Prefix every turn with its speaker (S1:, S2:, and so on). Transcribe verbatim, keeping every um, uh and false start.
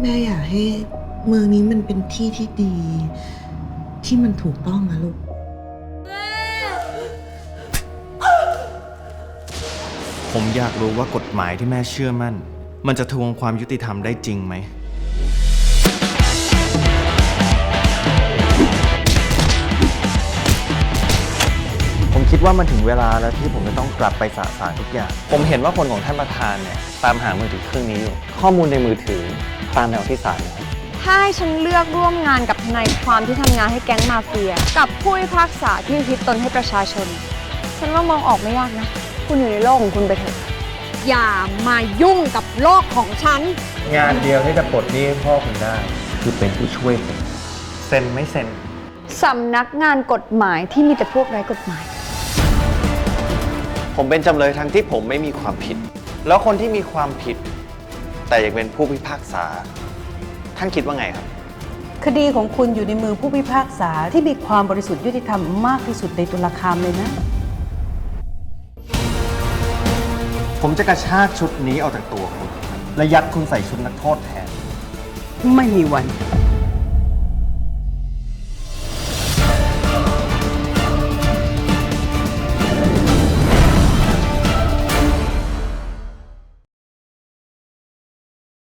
S1: แม่อยากให้เมืองนี้มันเป็นที่ที่ดี ที่มันถูกต้องนะลูก
S2: ผมอยากรู้ว่ากฎหมายที่แม่เชื่อมั่นมันจะทวงความยุติธรรมได้จริงไหมผมคิดว่ามันถึงเวลาแล้วที่ผมจะต้องกลับไปสะสางทุกอย่างผมเห็นว่าคนของท่านประธานเนี่ยตามหามือถือเครื่องนี้อยู่ข้อมูลในมือถือตามแนวที่ศาลนะครับ
S3: ถ้าให้ฉันเลือกร่วมงานกับทนายความที่ทำงานให้แก๊งมาเฟียกับผู้พิพากษาที่อุทิศตนให้ประชาชนฉันว่ามองออกไม่ยากนะคุณอยู่ในโลกของคุณไปเถอะอย่ามายุ่งกับโลกของฉัน
S2: งานเดียวที่จะปลดหนี้ให้พ่อคุณได้คือเป็นผู้ช่วยผมเซ็นไม่เซ็น
S3: สำนักงานกฎหมายที่มีแต่พวกไร้กฎหมาย
S2: ผมเป็นจำเลยทั้งที่ผมไม่มีความผิดแล้วคนที่มีความผิดแต่ยังเป็นผู้พิพากษาท่านคิดว่าไงครับ
S4: คดีของคุณอยู่ในมือผู้พิพากษาที่มีความบริสุทธิ์ยุติธรรมมากที่สุดในตุลาคามเลยนะ
S2: ผมจะกระชากชุดนี้ออกจากตัวคุณและยัดคุณใส่ชุดนักโทษแทน
S4: ไม่มีวัน